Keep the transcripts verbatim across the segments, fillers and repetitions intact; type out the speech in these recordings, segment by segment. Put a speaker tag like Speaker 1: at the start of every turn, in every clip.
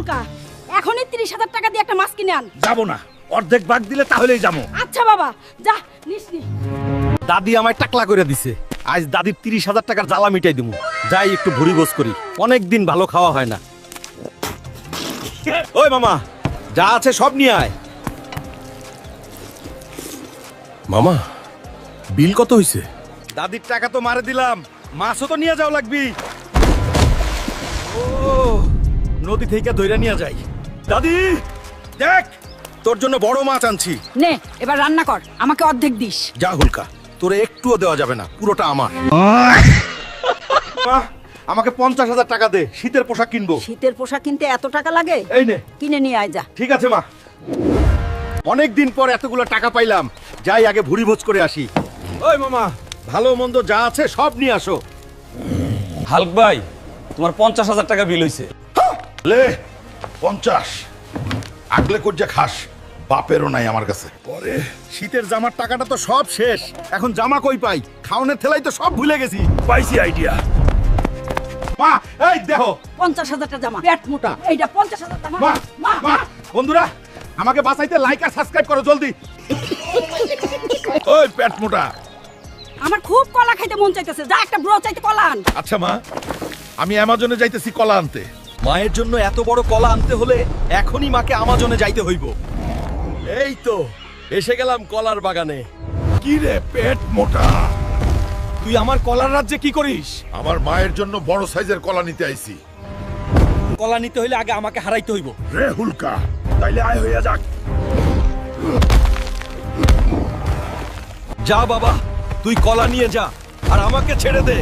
Speaker 1: হুলকা, এখনই ত্রিশ হাজার টাকা দিয়ে একটা মাছ কিনে আন।
Speaker 2: যাবো না, অর্ধেক ভাগ দিলে তাহলেই যাবো।
Speaker 1: আচ্ছা বাবা, যা নিস নি।
Speaker 3: দাদি আমায় টাকলা করে দিছে, আজ দাদির তিরিশ হাজার টাকার জ্বালা মিটাই দিমু। যাই একটু ভুড়ি গোছ করি, অনেক দিন ভালো খাওয়া হয় না। ওই মামা, যা আছে সব নিয়ে আয়।
Speaker 2: মামা, বিল কত হইছে?
Speaker 3: দাদির টাকা তো মারে দিলাম, মাছও তো নিয়ে যাও লাগবি। ও নদী থেকে ধইরা নিয়ে যাই। দাদি দেখ, তোর জন্য বড় মাছ আনছি।
Speaker 1: নে এবার রান্না কর, আমাকে অর্ধেক দিস।
Speaker 3: যা হুলকা, তোরে একটুও দেওয়া যাবে না, পুরোটা আমার। মা, আমাকে পঞ্চাশ হাজার টাকা দে, শীতের পোশাক কিনবো।
Speaker 1: শীতের পোশাক কিনতে এত টাকা লাগে?
Speaker 3: এই নে।
Speaker 1: কিনে নিয়ে আয় যা।
Speaker 3: ঠিক আছে মা। অনেক দিন পর এতগুলো টাকা পাইলাম, যাই আগে ভুড়ি ভোজ করে আসি। ওই মামা, ভালো মন্দ যা আছে সব নিয়ে আসো।
Speaker 4: হালক ভাই, তোমার পঞ্চাশ হাজার টাকা বিল হইছে।
Speaker 2: লে পঞ্চাশ আগলে কজ্জা খাস, বাপেরও নাই আমার কাছে।
Speaker 3: পরে শীতের জামার টাকাটা তো সব শেষ, এখন জামা কই পাই? খাওনের থেলাই তো সব ভুলে গেছি।
Speaker 2: পাইছি আইডিয়া।
Speaker 3: মা, এই দেখো।
Speaker 1: পঞ্চাশ হাজারটা জামা, পেট মোটা। এইটা পঞ্চাশ হাজার টাকা।
Speaker 3: মা, মা, মা, বন্ধুরা আমাকে বাঁচাইতে লাইক আর সাবস্ক্রাইব করো জলদি।
Speaker 2: ওই পেট মোটা।
Speaker 1: আমার খুব কলা খাইতে মন চাইতেছে, যা একটা ব্রো চাইতে কলা আন।
Speaker 2: আচ্ছা মা, আমি অ্যামাজনে যাইতেছি কলা আনতে।
Speaker 3: মায়ের জন্য এত বড় কলা আনতে হলে এখনই মাকে আমাজনে যাইতে হইব। এই তো এসে গেলাম কলার বাগানে।
Speaker 2: কি রে পেট মোটা,
Speaker 3: তুই আমার কলার রাজ্যে কি করিস?
Speaker 2: আমার মায়ের জন্য বড় সাইজের কলা নিতে আইছি।
Speaker 3: কলা নিতে হইলে আগে আমাকে হারাইতে হইব।
Speaker 2: রে হুলকা, তাইলে আয় হইয়া যাক।
Speaker 3: যা বাবা, তুই কলা নিয়ে যা আর আমাকে ছেড়ে দে।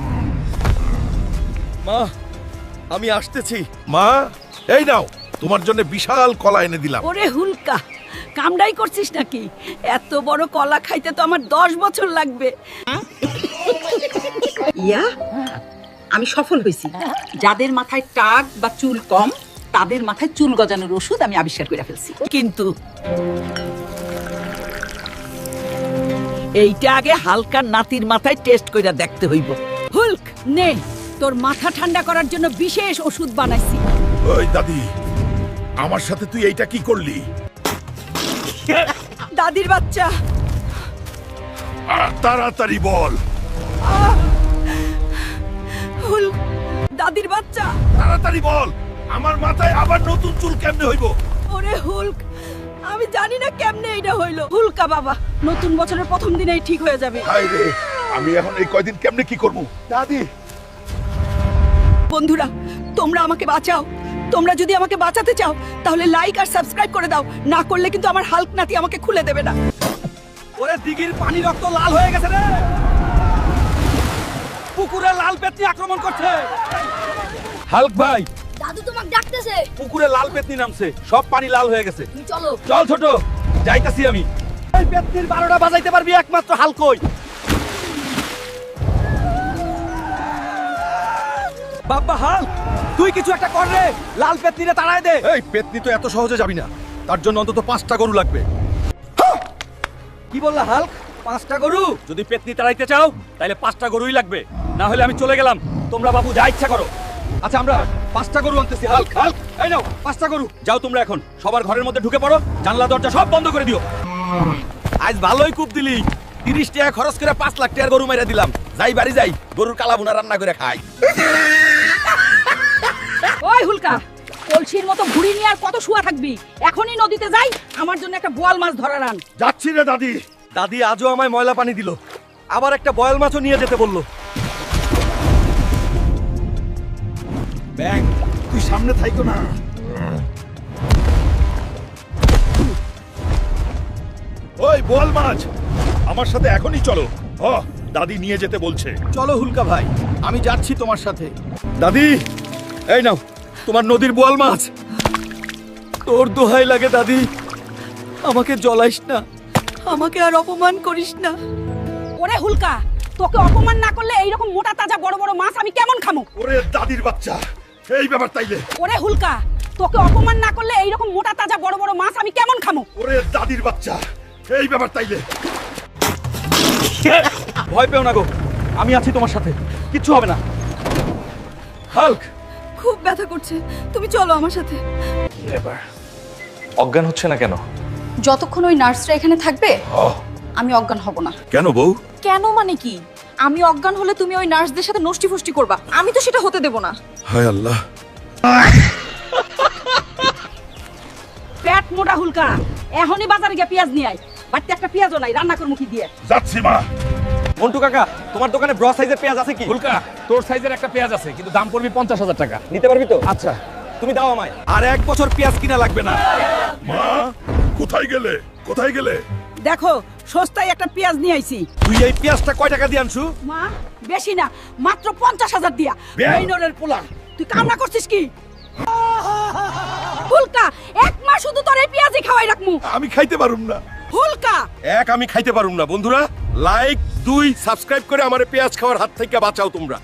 Speaker 3: মা, আমি আসতেছি।
Speaker 2: মা, এই নাও, তোমার জন্য বিশাল কলা এনে দিলাম।
Speaker 1: ওরে হুলকা, কামড়াই করছিস নাকি? এত বড় কলা খাইতে তো আমার দশ বছর লাগবে।
Speaker 5: ইয়া, আমি সফল হয়েছি। যাদের মাথায় টাক বা চুল কম, তাদের মাথায় চুল গজানোর ওষুধ আমি আবিষ্কার করে ফেলছি। কিন্তু এইটা আগে হালকা নাতির মাথায় টেস্ট করে দেখতে হইব।
Speaker 1: হুলক, নে তোর মাথা ঠান্ডা করার জন্য বিশেষ ওষুধ বানাইছি।
Speaker 2: ওই দাদি, আমার সাথে তুই এইটা কি করলি?
Speaker 1: দাদির বাচ্চা।
Speaker 2: আহ, তাড়াতাড়ি বল।
Speaker 1: হুলক, দাদির বাচ্চা।
Speaker 2: তাড়াতাড়ি বল, আমার মাথায় আবার নতুন চুল কেমনে হইব?
Speaker 1: ওরে হুলক, আমি জানি না কেমনে এটা হইলো। হুলকা বাবা, নতুন বছরের প্রথম দিনেই ঠিক হয়ে যাবে।
Speaker 2: হায় রে, আমি এখন এই কয়দিন কেমনে কি করব?
Speaker 3: দাদি,
Speaker 1: বন্ধুরা, তোমরা আমাকে বাঁচাও। তোমরা যদি আমাকে বাঁচাতে চাও তাহলে লাইক আর সাবস্ক্রাইব করে দাও, না করলে কিন্তু আমার হাল্ক নাতি আমাকে খুলে দেবে না।
Speaker 3: ওরে দিঘির পানি রক্ত লাল হয়ে গেছে রে। পুকুরে লাল পেতনি আক্রমণ করছে। হালক ভাই,
Speaker 1: দাদু তোমাকে ডাকতেছে।
Speaker 3: পুকুরে লাল পেতনি নামছে, সব পানি লাল হয়ে গেছে।
Speaker 1: তুমি চলো।
Speaker 3: চল ছোট, যাইতাছি আমি। এই পেতনির বারোটা বাজাইতে পারবি একমাত্র হালকই। বাবা হালক, তুই কিছু একটা কর রে, লাল পেতনিরে তাড়ায় দে। এই পেতনি তো এত সহজে যাবি না, তার জন্য অন্তত পাঁচটা গরু লাগবে। কি বললা হালক? পাঁচটা গরু? যদি পেতনি তাড়াইতে চাও তাহলে পাঁচটা গরুই লাগবে, না হলে আমি চলে গেলাম। তোমরা বাবু যা ইচ্ছা করো। আচ্ছা, আমরা পাঁচটা গরু আনতেছি। হালক, হালক, এই নাও পাঁচটা গরু। যাও তোমরা এখন সবার ঘরের মধ্যে ঢুকে পড়ো, জানলা দরজা সব বন্ধ করে দিও। আজ ভালোই কূপ দিলি, তিরিশ টাকা খরচ করে পাঁচ লাখ টাকার গরু মেরে দিলাম। যাই বাড়ি যাই, গরুর কালা ভুনা রান্না করে খাই।
Speaker 1: ওই হুলকা, কলসির মতো ঘুড়ি নিয়ে আর কত শুয়া থাকবি? এখনই নদীতে যাই, আমার জন্য একটা বোয়াল মাছ ধরার আন।
Speaker 2: যাচ্ছি রে দাদি।
Speaker 3: দাদি আজও আমায় ময়লা পানি দিল, আবার একটা বয়াল মাছও নিয়ে যেতে বললো।
Speaker 2: ব্যাং, তুই সামনে থাইকো না। ওই বোয়াল মাছ, আমার সাথে এখনই চলো। হ, দাদি নিয়ে যেতে বলছে।
Speaker 3: চলো হুলকা ভাই, আমি যাচ্ছি তোমার সাথে। দাদি, এই নাও তোমার নদীর বোয়াল মাছ। তোর দোহাই লাগে দাদি, আমাকে জ্বলাইস না, আমাকে আর অপমান করিস না।
Speaker 1: ওরে হুলকা, তোকে অপমান না করলে এইরকম মোটা তাজা বড় বড় মাছ আমি কেমন খামো?
Speaker 2: ওরে দাদির বাচ্চা, এই ব্যাপার তাইলে।
Speaker 1: ওরে হুলকা, তোকে অপমান না করলে এইরকম মোটা তাজা বড় বড় মাছ আমি কেমন খামো?
Speaker 2: ওরে দাদির বাচ্চা, এই ব্যাপার তাইলে।
Speaker 3: ভয় পেও না গো, আমি আছি তোমার সাথে, কিচ্ছু হবে না। হাল্ক,
Speaker 1: খুব ব্যথা করছে তুমি চলো আমার সাথে
Speaker 6: এবার অজ্ঞান হচ্ছে না কেন?
Speaker 7: যতক্ষণ ওই নার্সরা এখানে থাকবে আমি অজ্ঞান হব না।
Speaker 2: কেন বউ?
Speaker 7: কেন মানে কি? আমি অজ্ঞান হলে তুমি ওই নার্সদের সাথে নষ্টি ফষ্টি করবা, আমি তো সেটা হতে দেব না।
Speaker 2: হায় আল্লাহ।
Speaker 5: পেট মোটা হুলকা, এখনই বাজারে গিয়ে পেঁয়াজ নিয়ে আয়। বাড়িতে একটা পেঁয়াজও নাই, রান্না করবো কি দিয়ে?
Speaker 2: যাচ্ছি মা।
Speaker 3: মন্টু কাকা, তোমার দোকানে ব্রস সাইজের পেঁয়াজ আছে কি?
Speaker 8: ফুলকা তোর সাইজের একটা পেঁয়াজ আছে কিন্তু দাম পড়বে পঞ্চাশ হাজার টাকা।
Speaker 3: নিতে পারবি তো?
Speaker 8: আচ্ছা
Speaker 3: তুমি দাও আমায়। আর এক বছর পেঁয়াজ কিনা লাগবে না।
Speaker 2: মা কোথায় গেলে? কোথায় গেলে?
Speaker 1: দেখো সস্তায় একটা পেঁয়াজ নিয়ে আইছি।
Speaker 3: তুই এই পেঁয়াজটা কয় টাকা দিয়ে আনছু?
Speaker 1: মা বেশি না, মাত্র পঞ্চাশ হাজার দিয়া। বেইনরের পোলা, তুই কামনা করছিস কি? হুলকা এক মাস শুধু তোর এই পেঁয়াজই খাওয়াই রাখমু।
Speaker 2: আমি খাইতে পারুম না।
Speaker 1: হুলকা
Speaker 9: এক আমি খাইতে পারুম না। বন্ধুরা লাইক দুই সাবস্ক্রাইব করে আমার পেঁয়াজ খাওয়ার হাত থেকে বাঁচাও তোমরা।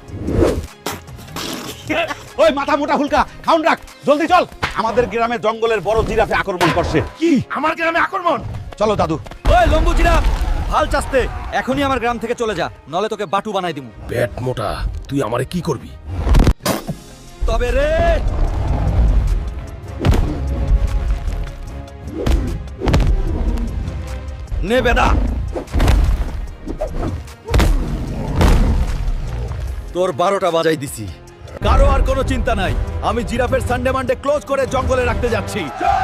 Speaker 3: ওই মাথা মোটা হুলকা, খাউন রাখ, জলদি চল। আমাদের গ্রামে জঙ্গলের বড় জিরাফে আক্রমণ করছে।
Speaker 2: কি আমার গ্রামে আক্রমণ?
Speaker 3: চলো দাদু। ওই লম্বু জিরাফ, ভাল চাস্তে এখনই আমার গ্রাম থেকে চলে যা, নলে তোকে বাটু বানাই দিমু।
Speaker 9: পেট মোটা, তুই আমারে কি করবি?
Speaker 3: তবে রে নে বেদা, তোর বারোটা বাজাই দিছি। কারো আর কোনো চিন্তা নাই, আমি জিরাফের সানডে মানডে ক্লোজ করে জঙ্গলে রাখতে যাচ্ছি।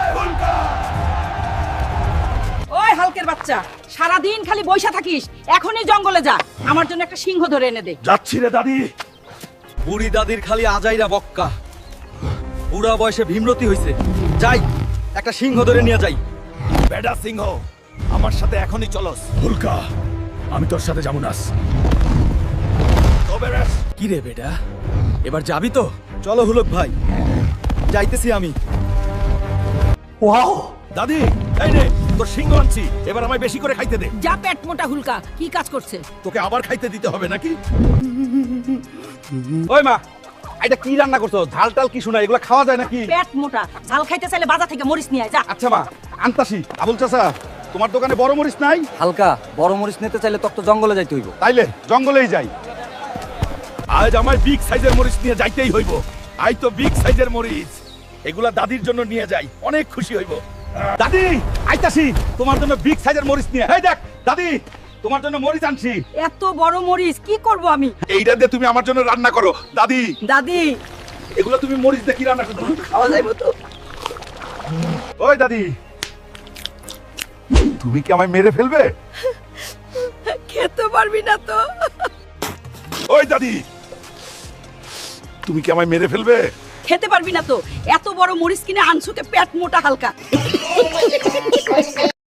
Speaker 5: ওই হালকের বাচ্চা, সারাদিন খালি বইসা থাকিস, এখনই জঙ্গলে যা, আমার জন্য একটা সিংহ ধরে এনে দে।
Speaker 2: যাচ্ছি রে দাদি।
Speaker 3: বুড়ি দাদির খালি আজাইরা বক্কা, বুড়া বয়সে ভীমরতি হইছে। যাই একটা সিংহ ধরে নিয়ে যাই। বেডা সিংহ, আমার সাথে এখনই চলস।
Speaker 2: হুলকা আমি তোর সাথে যাবো না। তবে রে
Speaker 3: কি রে বেটা, এবার যাবি তো? চলো হুলক ভাই, যাইতেছি আমি। ওয়াও দাদি, এই নে তোর সিংহ আনছি, এবার আমায় বেশি করে খাইতে দে।
Speaker 1: যা পেট মোটা হুলকা, কি কাজ করছে?
Speaker 2: তোকে আবার খাইতে দিতে হবে নাকি?
Speaker 3: ওই মা, এটা কি রান্না করছো? ঝাল টাল কি শোনা, এগুলো খাওয়া যায় নাকি?
Speaker 5: পেট মোটা, ঝাল খাইতে চাইলে বাজার থেকে মরিচ নিয়ে আয়, যা।
Speaker 3: আচ্ছা মা, আনতাসি। আবুল চাচা, তোমার দোকানে বড় মরিচ নাই?
Speaker 4: হালকা বড় মরিচ নিতে চাইলে তক তো জঙ্গলে যাইতে হইব।
Speaker 3: তাইলে জঙ্গলেই যাই।
Speaker 2: আজ আমার বিগ সাইজের মরিচ নিয়ে যাইতেই হইব। আই তো বিগ সাইজের মরিচ, এগুলা দাদির জন্য নিয়ে যাই, অনেক খুশি হইব।
Speaker 3: দাদি আইতাছি তোমার জন্য বিগ সাইজের মরিচ নিয়ে। এই দেখ দাদি, তোমার জন্য মরিচ আনছি।
Speaker 1: এত বড় মরিচ কি করব আমি?
Speaker 2: এইটা দিয়ে তুমি আমার জন্য রান্না করো দাদি।
Speaker 1: দাদি
Speaker 2: এগুলো তুমি মরিচ দিয়ে কি রান্না করো?
Speaker 1: খাওয়া যাইব তো?
Speaker 2: ওই দাদি, তুমি কি আমায় মেরে ফেলবে?
Speaker 1: খেতে পারবি না তো?
Speaker 2: ওই দাদি, তুমি কি আমায় মেরে ফেলবে?
Speaker 1: খেতে পারবি না তো? এত বড় মরিচ কিনে আনছো কে পেট মোটা হালকা?